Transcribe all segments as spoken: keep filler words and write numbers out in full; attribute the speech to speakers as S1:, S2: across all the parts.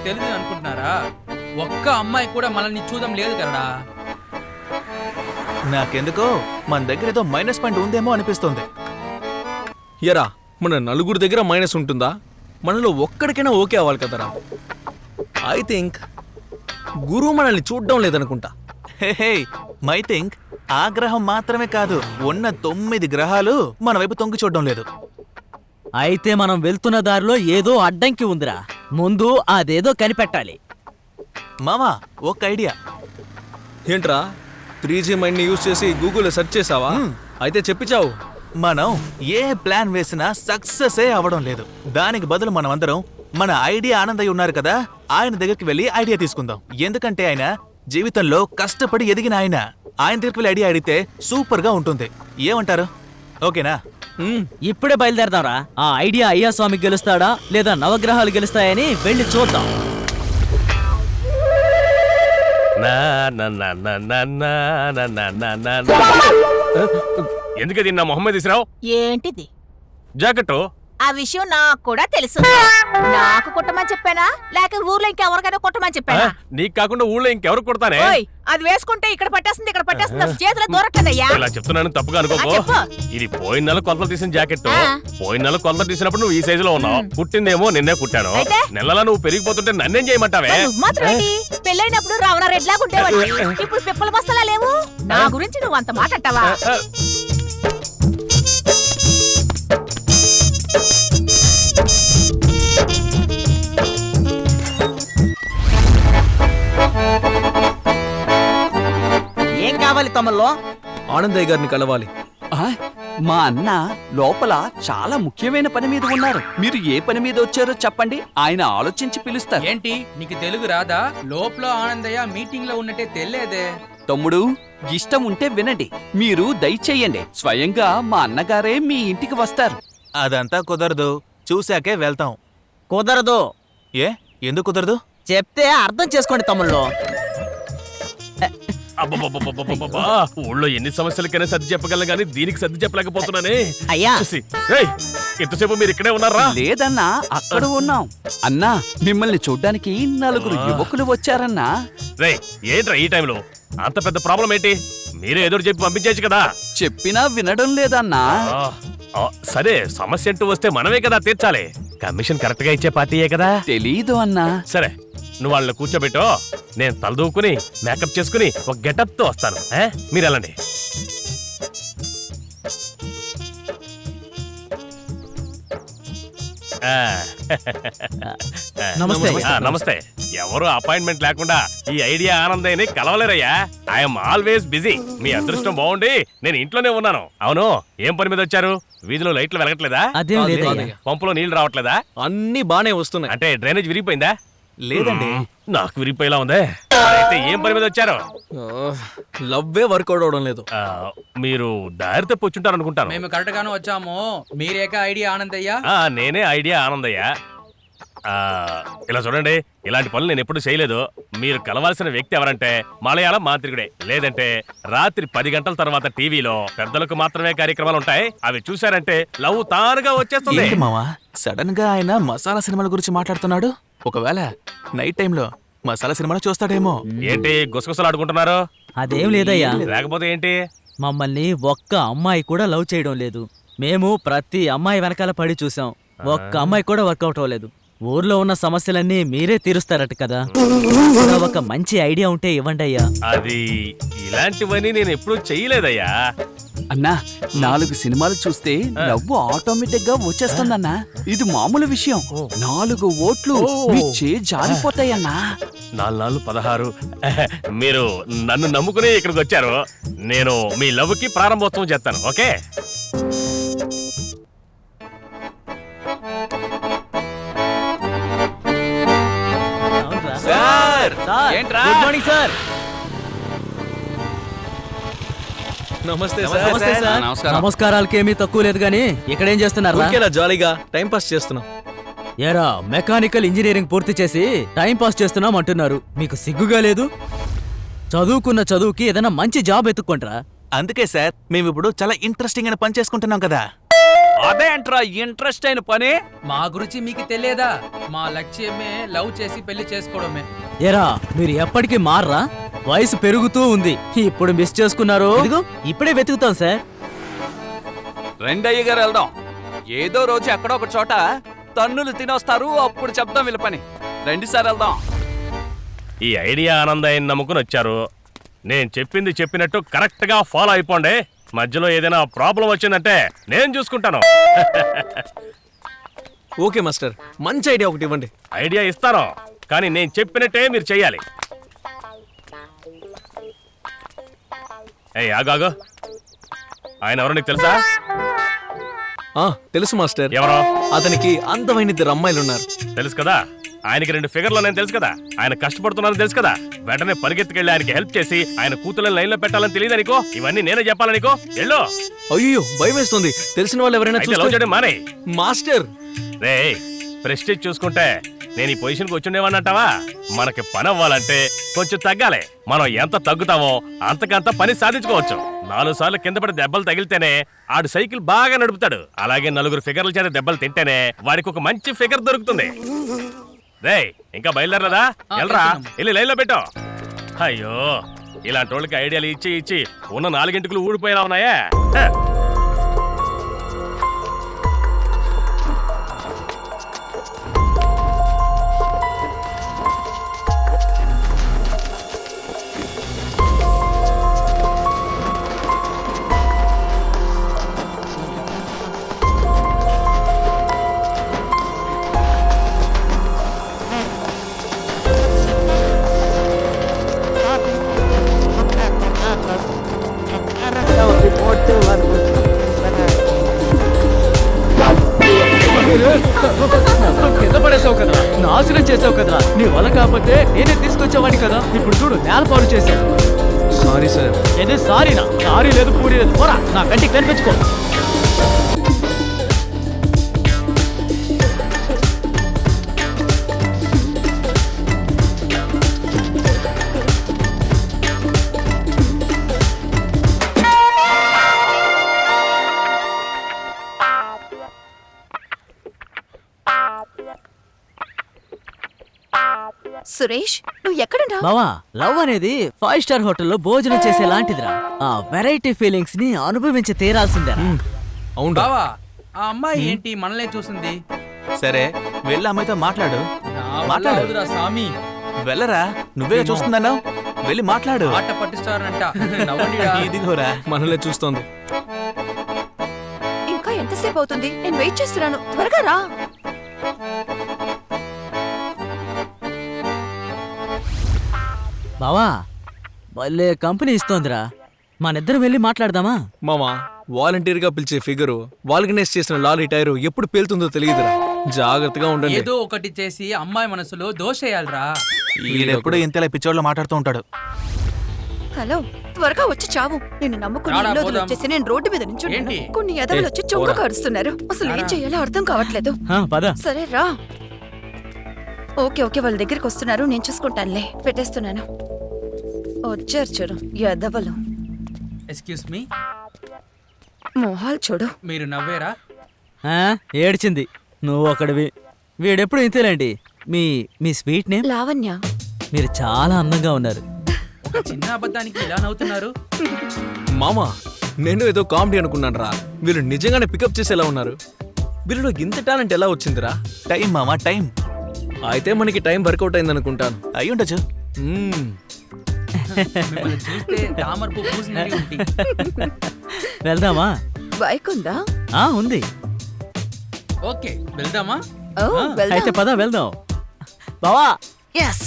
S1: తెలియదు అనుకుంటున్నారా? ఒక్క అమ్మాయి కూడా మనల్ని చూడడం లేదు కదా.
S2: నాకెందుకో మన దగ్గర ఏదో మైనస్ పాయింట్ ఉందేమో అనిపిస్తుంది.
S3: ఎరా, మన నలుగురు దగ్గర మైనస్ ఉంటుందా? మనలో ఒక్కడికైనా ఓకే అవ్వాలి కదరా. ఐ థింక్ గురువు మనల్ని చూడడం లేదనుకుంటా.
S2: హే హే మై థింక్ ఆ గ్రహం మాత్రమే కాదు, ఉన్న తొమ్మిది గ్రహాలు మన వైపు తొంగి చూడడం లేదు.
S4: అయితే మనం వెళ్తున్న దారిలో ఏదో అడ్డంకి ఉందిరా, ముందు అదేదో కనిపెట్టాలి.
S2: మామా ఒక ఐడియా.
S3: ఏంట్రా, త్రీ జీ మైండ్ని యూజ్ చేసి గూగుల్లో సెర్చ్ చేసావా? అయితే చెప్పిచావు.
S2: మనం ఏ ప్లాన్ వేసినా సక్సెస్ అవ్వడం లేదు. దానికి బదులు మనం అందరం మన ఐడియా ఆనందయ్య ఉన్నారు కదా, ఆయన దగ్గరికి వెళ్ళి ఐడియా తీసుకుందాం. ఎందుకంటే ఆయన జీవితంలో కష్టపడి ఎదిగిన ఆయన. ఆయన దగ్గరికి వెళ్ళి ఐడియా అడిగితే సూపర్ గా ఉంటుంది. ఏమంటారు? ఓకేనా?
S4: ఇప్పుడే బయలుదేరదాంరా. ఆ ఐడియా అయ్యా స్వామి గెలుస్తాడా లేదా నవగ్రహాలు గెలుస్తాయని వెళ్ళి చూద్దాం.
S5: ఎందుకది నా మొహమ్మద్ ఇస్రావ్?
S6: ఏంటిది
S5: జాకెట్?
S6: ఆ విషయం నాకు కూడా తెలుసు. నాకు కుట్టమని చెప్పానా లేక ఊర్లో ఇంకెవరికైనా కుట్టమని చెప్పానా?
S5: నీకు కాకుండా ఊళ్ళో ఇంకెవరు కుడతానే?
S6: అది వేసుకుంటే ఇక్కడ పట్టేస్తుంది ఇక్కడ పట్టేస్తుంది, చేతిలో దూరట్లేదయ్యా.
S5: ఇలా చెప్తున్నాను తప్పుగా అనుకోకో. ఇది పోయిన నెల కొలతలు తీసిన జాకెట్. పోయిన నెల కొలతలు తీసినప్పుడు నువ్వు ఈ సైజు లో ఉన్నావు. పుట్టిందేమో నిన్నే కుట్టాను. నెలలా నువ్వు పెరిగిపోతుంటే నన్నేం చేయమంటావే?
S6: పెళ్ళైనప్పుడు రావణారెడ్డి లాగా ఉండేవాడు, ఇప్పుడు పిప్పల బస్తలా లేవు. నా గురించి నువ్వు అంత మాట అంటావా?
S4: ఏం కావాలి తమల్లో?
S3: ఆనందయ్య గారిని కలవాలి.
S7: మా అన్న లోపల చాలా ముఖ్యమైన పని మీద ఉన్నారు. మీరు ఏ పని మీద వచ్చారో చెప్పండి, ఆయన ఆలోచించి పిలుస్తారు.
S1: ఏంటి నీకు తెలుగు రాదా? లోపల ఆనందయ్య మీటింగ్ లో ఉన్నట్టే తెలియదే.
S7: తమ్ముడు, ఇష్టం ఉంటే వినండి, మీరు దయచేయండి. స్వయంగా మా అన్నగారే మీ ఇంటికి వస్తారు.
S2: అదంతా కుదరదు, చూశాకే వెళ్తాం.
S4: కుదరదు.
S2: ఏ ఎందుకు కుదరదు?
S4: చెప్తే అర్థం చేసుకోండి తమ్ముళ్ళు.
S5: అబ్బబ్బబ్బబ్బబ్బబ్బబ్బా! ఊళ్ళో ఎన్ని సమస్యలకైనా సర్ది చెప్పగలను గానీ దీనికి సర్ది చెప్పలేకపోతున్నానే.
S4: అయ్యా,
S5: ఏయ్, ఎంతసేపు మీరు ఇక్కడే ఉన్నారా?
S7: లేదన్నా, అక్కడ ఉన్నాం. అన్నా, మిమ్మల్ని చూడ్డానికి నలుగురు యువకులు వచ్చారన్నా.
S5: రేయ్, ఏంట్రా ఈ టైంలో? అంత పెద్ద ప్రాబ్లం ఏంటి? మీరే ఎదురు చెప్పి పంపించేయచ్చు కదా.
S7: చెప్పినా వినడం లేదన్నా.
S5: ఆ, సరే, సమస్య అంటూ వస్తే మనమే కదా తీర్చాలి. కమిషన్ కరెక్ట్ గా ఇచ్చే పార్టీయే కదా.
S7: తెలీదు అన్నా.
S5: సరే, నువ్వు వాళ్ళని కూర్చోబెట్టో, నేను తలదూకుని మేకప్ చేసుకుని ఒక గెటప్ తో వస్తాను. మీరు వెళ్ళండి.
S4: నమస్తే.
S5: నమస్తే. ఎవరు అపాయింట్మెంట్ లేకుండా ఈ ఐడియా ఆనందయ్యని కలవలేరయ్యా. I'm always busy. మీ అదృష్టం బాగుండి నేను ఇంట్లోనే ఉన్నాను. అవును, ఏం పని మీద వచ్చారు? వీధిలో లైట్లు వెలగట్లేదా?
S4: అదేం లేదయ్యా.
S5: పంపులో నీళ్లు రావట్లేదా?
S3: అన్నీ బానే వస్తున్నాయి.
S5: అంటే డ్రైనేజ్ విరిగిపోయిందా?
S2: లేదండి.
S5: నాకు విరిగిపోయేలా ఉందే. అయితే ఏం పని మీద వచ్చారు?
S3: లవ్వే వర్కౌట్ అవడం లేదు.
S5: మీరు దారి తప్పి వచ్చుంటారు అనుకుంటాను.
S1: మేము కరెక్ట్ గాను వచ్చాము. మీరేక ఐడియా ఆనందయ్య?
S5: నేనే ఐడియా ఆనందయ్య. ఇలా చూడండి, ఇలాంటి పనులు నేను ఎప్పుడు చేయలేదు. మీరు కలవాల్సిన వ్యక్తి ఎవరంటే మలయాళం మాంత్రికుడే. లేదంటే రాత్రి పది గంటల తర్వాత టీవీలో పెద్దలకు మాత్రమే కార్యక్రమాలు ఉంటాయి. అవి చూసారంటే లవ్ తానుగా వచ్చేస్తుంది.
S2: మావా, సడన్ గా ఆయన మసాలా సినిమాల గురించి మాట్లాడుతున్నాడు. ఒకవేళ నైట్ టైంలో మసాలా సినిమాలు చూస్తాడేమో.
S5: ఏంటి గుసగుసలు ఆడుకుంటున్నారు?
S4: అదేం లేదయ్యా.
S5: లేకపోతే ఏంటి?
S4: మమ్మల్ని ఒక్క అమ్మాయి కూడా లవ్ చేయడం లేదు. మేము ప్రతి అమ్మాయి వెనకాల పడి చూసాం, ఒక్క అమ్మాయి కూడా వర్కౌట్ అవ్వలేదు. ఊర్లో ఉన్న సమస్యలన్నీ మీరే తీరుస్తారట కదా, ఒక మంచి ఐడియా ఉంటే ఇవ్వండి అయ్యా.
S5: అది ఇలాంటివన్నీ నేను ఎప్పుడూ చెయ్యలేదయ్యా.
S7: అన్నా, నాలుగు సినిమాలు చూస్తే నవ్వు ఆటోమేటిక్ గా వచ్చేస్తుందన్నా. ఇది మామూలు విషయం. నాలుగు ఓట్లు మీ చే జారిపోతాయన్నా.
S5: నాలుగు నాలుగు పదహారు. మీరు నన్ను నమ్ముకుని ఇక్కడికి వచ్చారు. నేను మీ లవ్ కి ప్రారంభోత్సవం చేస్తాను. ఓకే?
S2: సార్, ఏంట్రా?
S4: Good morning sir.
S3: నమస్తే
S4: నమస్తే సార్. నమస్కారాలకేమీ తక్కువ లేదు గానీ ఇక్కడేం చేస్తున్నారు?
S3: జాలీగా టైం పాస్ చేస్తున్నాం.
S4: ఏరా, మెకానికల్ ఇంజనీరింగ్ పూర్తి చేసి టైం పాస్ చేస్తున్నాం అంటున్నారు. మీకు సిగ్గుగా లేదు? చదువుకున్న చదువుకి ఏదైనా మంచి జాబ్ ఎత్తుక్కుంటారా?
S2: అందుకే సార్ మేము ఇప్పుడు చాలా ఇంట్రెస్టింగ్ అయిన పని చేసుకుంటున్నాం కదా.
S7: అదేంట్రా ఇంట్రెస్ట్ అయిన పని?
S1: మా గురించి మీకు తెలియదా? మా లక్ష్యమే లవ్ చేసి పెళ్లి చేసుకోవడమే.
S4: ఏరా మీరు ఎప్పటికీ మారరా? వయసు పెరుగుతూ ఉంది, ఇప్పుడు మిస్ చేసుకున్నారు. ఇదిగో ఇప్పుడే వెతుకుతాం సార్.
S7: రెండయ్య గారు వెళ్దాం. ఏదో రోజు ఎక్కడో ఒక చోట తన్నులు తినొస్తారు, అప్పుడు చెప్దాం వీళ్ళ పని. రండి సార్ వెళ్దాం.
S5: ఈ ఐడియా ఆనందయ్యని నమ్ముకుని వచ్చారు. నేను చెప్పింది చెప్పినట్టు కరెక్ట్ గా ఫాలో అయిపోండి. మధ్యలో ఏదైనా ప్రాబ్లం వచ్చిందంటే నేను చూసుకుంటాను.
S3: ఓకే మాస్టర్, మంచి ఐడియా ఒకటి ఇవ్వండి.
S5: ఐడియా ఇస్తాను, కానీ నేను చెప్పినట్టే మీరు చెయ్యాలి. ఏయ్ ఆగాగు, ఆయన ఎవరో నీకు తెలుసా?
S3: ఆ తెలుసు మాస్టర్.
S5: ఎవరో?
S3: అతనికి అందమైన ఇద్దరు అమ్మాయిలు ఉన్నారు.
S5: తెలుసు కదా. ఆయనకి రెండు ఫిగర్లు నేను తెలుసు కదా. ఆయన కష్టపడుతున్నారని తెలుసు కదా. వెంటనే పరిగెత్తుకెళ్ళి ఆయనకి హెల్ప్ చేసి ఆయన కూతుళ్ళని లైన్ లో పెట్టాలని తెలియదు అనుకో. ఇవన్నీ నేనే చెప్పాలనుకో. ఎల్లో.
S3: అయ్యో భయం వేస్తుంది. తెలిసిన వాళ్ళు ఎవరైనా
S5: అయితే లవ్
S3: చూస్తే-
S5: చేయడం మానే.
S3: మాస్టర్
S5: రే ప్రెస్టేజ్ చూసుకుంటే నేను ఈ పొజిషన్కి వచ్చుండేవానంటావా? మనకి పని అవ్వాలంటే కొంచెం తగ్గాలి. మనం ఎంత తగ్గుతామో అంతకంత పని సాధించుకోవచ్చు. నాలుగు సార్లు కింద పడి దెబ్బలు తగిలితేనే ఆడు సైకిల్ బాగా నడుపుతాడు. అలాగే నలుగురు ఫిగర్ల చేత దెబ్బలు తింటేనే వాడికి ఒక మంచి ఫిగర్ దొరుకుతుంది. రే ఇంకా బయలుదేరలేదా? వెళ్ళరా, వెళ్ళి లైన్లో పెట్టు. అయ్యో ఇలాంటి వాళ్ళకి ఐడియాలు ఇచ్చి ఇచ్చి ఉన్న నాలుగింటికులు ఊడిపోయేలా ఉన్నాయా? హ.
S4: కింద పడేసావు కదరా, నాశనం చేసావు కదరా. నీ వల్ల కాకపోతే నేనే తీసుకొచ్చేవాడిని కదా. ఇప్పుడు చూడు నేల పాలు చేశావు.
S3: Sorry sir.
S4: ఏదే సారీనా? సారీ లేదు పూరి లేదు, పోరా నా కంటికి కనిపించుకో.
S6: సురేష్ నువ్వు ఎక్కడున్నా?
S4: బావా లవ్ అనేది ఫైవ్ స్టార్ హోటల్లో భోజనం చేసే లాంటిదిరా. ఆ వెరైటీ ఫీలింగ్స్ ని అనుభవించి తీరాల్సిందే.
S3: అవును
S1: బావా ఆ అమ్మాయి ఏంటి మనలే చూసింది?
S2: సరే వెళ్ళి అమ్మాయితో మాట్లాడు.
S1: నా వల్ల
S2: మాట్లాడు.
S1: అవదురా సామి.
S2: వెళ్ళరా, నువ్వే చూస్తుందన్నావు. వెళ్ళి మాట్లాడు.
S1: ఆట పట్టిస్తారంట. నవ్వండిరా.
S2: ఇదిగోరా.
S3: మనల్ని చూస్తోంది.
S6: ఇంకా ఎంతసేపు అవుతుంది? నేను వెయిట్ చేస్తున్నాను, త్వరగా రా.
S4: బావా భలే కంపెనీ ఇస్తోందిరా. మనిద్దరం వెళ్ళి మాట్లాడదామా?
S3: మామా వాలంటీర్ గా పిలిచే ఫిగరు వాల్గనైజ్ చేసిన లారీ టైరు ఎప్పుడు పేలుతుందో తెలియదురా. జాగ్రత్తగా ఉండండి.
S1: ఏదో ఒకటి చేసి అమ్మాయి మనసులో దోషేయాలరా.
S2: ఈడెప్పుడు ఇంతలా పిచ్చోళ్ళు మాట్లాడుతూ ఉంటాడు.
S6: హలో, త్వరగా వచ్చి చావు. నేను నమ్ముకుని
S1: రాడా,
S6: ఇల్లు
S1: పోదాం.
S6: వచ్చేసి నేను రోడ్డు మీద నుంచి
S1: ఏంటి?
S6: కొన్ని ఎదవలు వచ్చి చొంగ
S3: పోరా.
S6: కరుస్తున్నారు. అసలు ఏం
S1: రారా.
S6: చేయాలో అర్థం కావట్లేదు.
S4: ఆ, పద.
S6: సరే రా. ఓకే ఓకే వాళ్ళ దగ్గరికి వస్తున్నారు, నేను చూసుకుంటానులే. పెట్టేస్తున్నాను. వచ్చారు చూడు ఎదవలు.
S1: ఎక్స్క్యూజ్ మీ,
S6: మొహాలు చూడు.
S1: మీరు నవ్వేరా?
S4: ఆ, ఏడ్చింది. నువ్వు ఒకడివి. వీడెప్పుడు ఇంతేలేండి. మీ మీ స్వీట్ నేమ్?
S6: లావణ్య.
S4: మీరు చాలా అందంగా ఉన్నారు.
S1: ఒక చిన్న అబద్ధానికి ఇలా నవ్వుతున్నారు.
S3: మామా నేను ఏదో కామెడీ అనుకున్నాను రా. వీళ్ళు నిజంగానే పికప్ చేసేలా ఉన్నారు. వీళ్ళలో ఇంత టాలెంట్ ఎలా వచ్చిందిరా?
S2: టైం మామా, టైం.
S3: అయితే మనకి టైం వర్కౌట్ అయింది అనుకుంటాను.
S2: అయి ఉండొచ్చు.
S3: మ్మ్.
S1: మిమ్మల్ని చూస్తే తామర పువ్వు పూసినట్టు ఉంది.
S4: వెళ్దామా?
S6: బైక్ ఉందా?
S4: ఆ ఉంది.
S1: ఓకే వెళ్దామా?
S6: ఓ,
S1: ఆ,
S6: వెళ్దాం.
S4: అయితే పద వెళ్దాం. బావా
S6: ఎస్.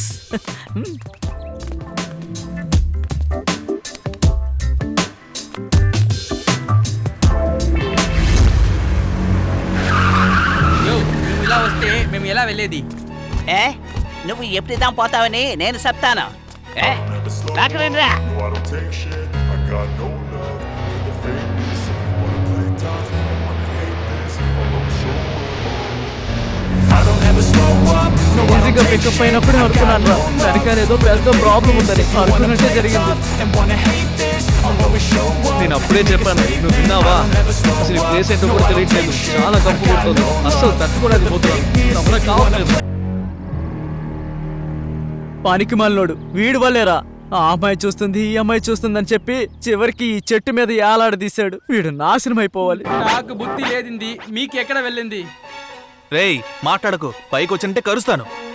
S1: యో, నువ్వు ఇలా వస్తే మేము ఎలా వెళ్ళేది?
S8: ఏ నువ్వు ఎప్పుడుదాం పోతావని నేను చెప్తాను. ఏ రాకరేంద్రా.
S9: No, I don't take shit. I got no love for the fakeness. If you wanna play tough, I wanna hate this. I wanna show up. I don't ever slow up. No, I don't take shit.
S4: అయినప్పుడు అనుకున్నాను, వెనకాల ఏదో పెద్ద problem ఉందని అనుకున్నట్టే జరిగింది.
S9: And wanna hate this.
S3: నేను అప్పుడే చెప్పాను, నువ్వు విన్నావా? అసలు ఈ ప్లేస్ ఏంటో కూడా తెలియట్లేదు, చాలా కంపు కొడుతుంది, అస్సలు తట్టుకోవడానికి పోతున్నాను, నా వల్ల కావట్లేదు.
S4: పానికి మాలినోడు వీడి వల్లేరా ఆ అమ్మాయి చూస్తుంది ఈ అమ్మాయి చూస్తుంది అని చెప్పి చివరికి ఈ చెట్టు మీద ఏలాడదీశాడు. వీడు నాశనం అయిపోవాలి.
S1: నాకు బుద్ధి లేదింది, మీకు ఎక్కడ వెళ్ళింది?
S2: రేయ్ మాట్లాడకు, పైకి వచ్చింటే కరుస్తాను.